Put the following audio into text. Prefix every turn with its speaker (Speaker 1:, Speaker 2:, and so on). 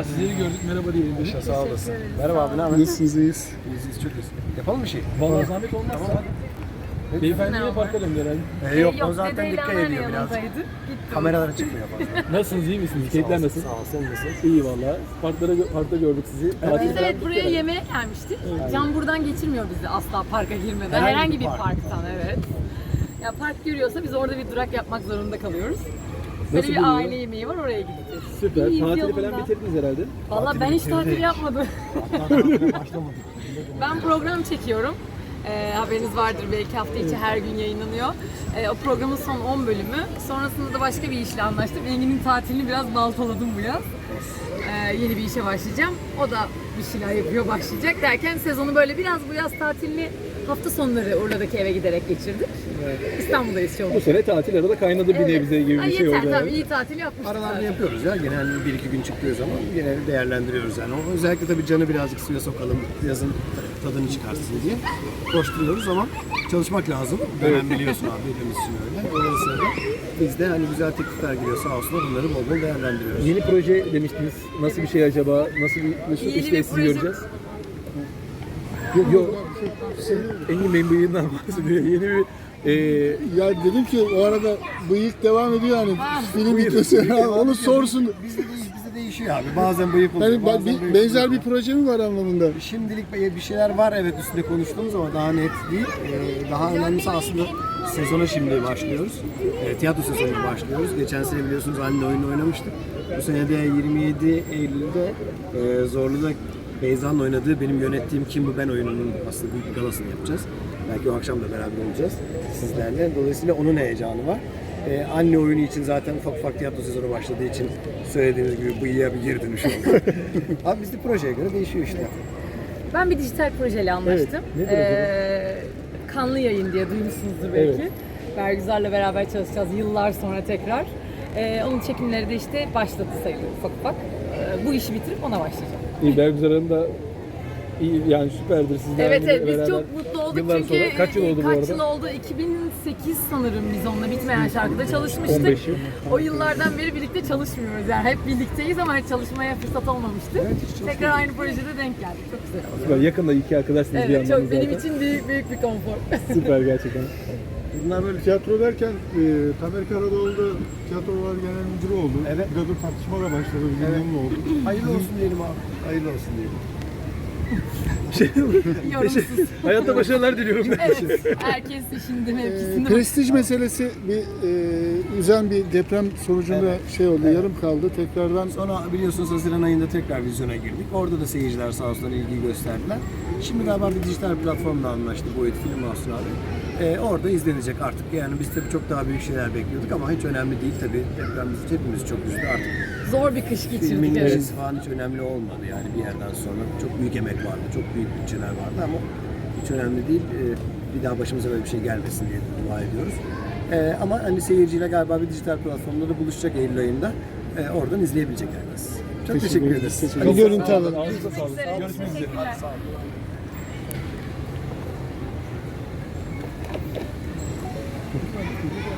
Speaker 1: Valla sizleri gördük, merhaba diyelim dedik.
Speaker 2: Sağ olasın. Merhaba abi, ne haber?
Speaker 3: Nasılsınız, iyiyiz?
Speaker 2: İyiyiz, çok iyiyiz. Yapalım bir şey.
Speaker 1: Valla zahmet olmazsa.
Speaker 2: Tamam.
Speaker 1: Beyefendi yine parka döndü herhalde.
Speaker 2: Yok, o zaten dikkat ediyor biraz. Kameralara çıkmıyor fazla.
Speaker 1: Nasılsınız, iyi misiniz? Keyifler nasıl?
Speaker 2: Sağ ol, sen nasılsın?
Speaker 1: İyi valla. Parkta gördük sizi. Tatil
Speaker 4: Biz
Speaker 1: falan
Speaker 4: evet buraya
Speaker 1: bitti
Speaker 4: yemeğe gelmiştik.
Speaker 2: Aynen.
Speaker 4: Can buradan geçirmiyor bizi asla parka girmeden.
Speaker 2: Herhangi
Speaker 4: Herhangi
Speaker 2: bir
Speaker 4: bir
Speaker 2: park.
Speaker 4: parktan evet. Ya park görüyorsa biz orada bir durak yapmak zorunda kalıyoruz. Böyle
Speaker 1: Nasıl
Speaker 4: bir
Speaker 1: buluyor?
Speaker 4: aile yemeği var, oraya gideceğiz.
Speaker 1: Süper.
Speaker 4: İyiyiz,
Speaker 1: Tatili
Speaker 4: yolunda.
Speaker 1: falan bitirdiniz herhalde.
Speaker 4: Valla ben hiç tatil yapmadım.
Speaker 2: Başlamadık.
Speaker 4: Ben program çekiyorum. Haberiniz vardır belki, hafta içi her gün yayınlanıyor. O programın son 10 bölümü. Sonrasında da başka bir işle anlaştım. Engin'in tatilini biraz baltaladım bu yaz. Yeni bir işe başlayacağım. O da bir şeyler yapıyor, başlayacak derken sezonu böyle biraz bu yaz tatilini hafta sonları Urla'daki eve giderek geçirdik. İstanbul'dayız şu an.
Speaker 1: Bu sene tatil arada kaynadı bir nebze gibi
Speaker 4: Ay,
Speaker 1: bir şey
Speaker 4: yeter,
Speaker 1: oldu.
Speaker 4: tabii
Speaker 1: yani.
Speaker 4: iyi tatil yapmıştık.
Speaker 2: Aralarda
Speaker 4: zaten.
Speaker 2: yapıyoruz ya. Genelde 1-2 gün çıktığı zaman genelde değerlendiriyoruz yani. O özellikle tabii canı birazcık suya sokalım, yazın tadını çıkarsın diye koşturuyoruz ama çalışmak lazım. Dönem biliyorsun abi, hepimiz için öyle. Dolayısıyla biz de hani güzel teklifler geliyor sağ olsunlar, bunları bol bol değerlendiriyoruz.
Speaker 1: Yeni proje demiştiniz. Nasıl bir şey acaba? Nasıl bir
Speaker 4: Yeni
Speaker 1: işte
Speaker 4: bir
Speaker 1: sizi
Speaker 4: proje.
Speaker 1: göreceğiz? Yok. Engin Bey'in bıyığından bahsediyor. Yeni bir
Speaker 3: Ya dedim ki o arada bıyık devam ediyor hani film
Speaker 1: bıyık.
Speaker 3: bitmesi onu sorsun.
Speaker 2: Bizde değişiyor abi. Bazen bıyık oluyor.
Speaker 3: Hani
Speaker 2: bazen bıyık
Speaker 3: benzer
Speaker 2: oluyor.
Speaker 3: bir proje mi var anlamında?
Speaker 2: Şimdilik bir şeyler var evet, üstünde konuştuğumuz ama daha net değil. Daha önemlisi aslında sezona şimdi başlıyoruz. Tiyatro sezonuna başlıyoruz. Geçen sene biliyorsunuz anne oyunu oynamıştık. Bu sene de 27 Eylül'de Zorlu'da Beyza'nın oynadığı benim yönettiğim Kim Bu Ben oyununun aslında büyük bir galasını yapacağız. Belki o akşam da beraber olacağız sizlerle. Dolayısıyla onun heyecanı var. Anne oyunu için zaten ufak ufak tiyatro sezonu başladığı için söylediğiniz gibi bıyığa bir geri dönüş oldu. Abi bizde projeye göre değişiyor işte.
Speaker 4: Ben bir dijital projeyle anlaştım.
Speaker 1: ne proje
Speaker 4: Kanlı Yayın diye duymuşsunuzdur belki.
Speaker 1: Evet.
Speaker 4: Bergüzar'la beraber çalışacağız yıllar sonra tekrar. Onun çekimleri de işte başladı sayılır ufak ufak. Bu işi bitirip ona başlayacağım.
Speaker 1: iyi Bergüzar Hanım da iyi, yani süperdir sizlerle
Speaker 4: Evet biz
Speaker 1: beraber.
Speaker 4: çok mutlu olduk
Speaker 1: Yıllar
Speaker 4: çünkü
Speaker 1: sonra. Kaç yıl oldu bu arada?
Speaker 4: Kaç yıl oldu? 2008 sanırım biz onunla Bitmeyen Şarkıda çalışmıştık.
Speaker 1: 15 yıl.
Speaker 4: O yıllardan beri birlikte çalışmıyoruz yani hep birlikteyiz ama hiç çalışmaya fırsat olmamıştı. Tekrar aynı projede denk geldik. Çok güzel oldu.
Speaker 1: Süper. Yakında iki arkadaşsınız bir
Speaker 4: Evet
Speaker 1: yandan
Speaker 4: çok benim
Speaker 1: zaten.
Speaker 4: için büyük bir konfor.
Speaker 1: Süper gerçekten.
Speaker 3: Bunlar böyle tiyatro derken Tamer Karadoğlu da tiyatrolar genel müdürü oldu.
Speaker 2: Evet.
Speaker 3: Biraz da tartışma da başladı. Bilmem ne oldu.
Speaker 2: Hayırlı olsun diyelim abi. Hayırlı olsun diyelim.
Speaker 4: Yorumsuz.
Speaker 1: Hayatta başarılar diliyorum.
Speaker 4: Evet. Herkes işinde mevkisinde.
Speaker 3: Prestij meselesi bir üzen bir deprem sonucunda şey oldu, yarım kaldı. Tekrardan
Speaker 2: Sonra biliyorsunuz Haziran ayında tekrar vizyona girdik. Orada da seyirciler sağ olsunlar ilgi gösterdiler. Şimdi galiba bir dijital platformla anlaştı Boyut Film House abi. Orada izlenecek artık. Yani biz tabii çok daha büyük şeyler bekliyorduk ama hiç önemli değil tabii. Deprem bizi hepimiz çok üzdü artık.
Speaker 4: Zor bir kış geçirdik.
Speaker 2: Filmin
Speaker 4: Evet.
Speaker 2: işi falan hiç önemli olmadı yani bir yerden sonra. Çok büyük emek vardı, çok büyük bütçeler vardı ama hiç önemli değil. Bir daha başımıza böyle bir şey gelmesin diye dua ediyoruz. Ama hani seyirciyle galiba bir dijital platformda da buluşacak Eylül ayında. Oradan izleyebilecek herkes. Çok teşekkür ederiz.
Speaker 3: bir görüntü alın.
Speaker 1: Ağzınıza sağlık.
Speaker 4: Evet,
Speaker 1: Görüşmek üzere.
Speaker 4: teşekkürler.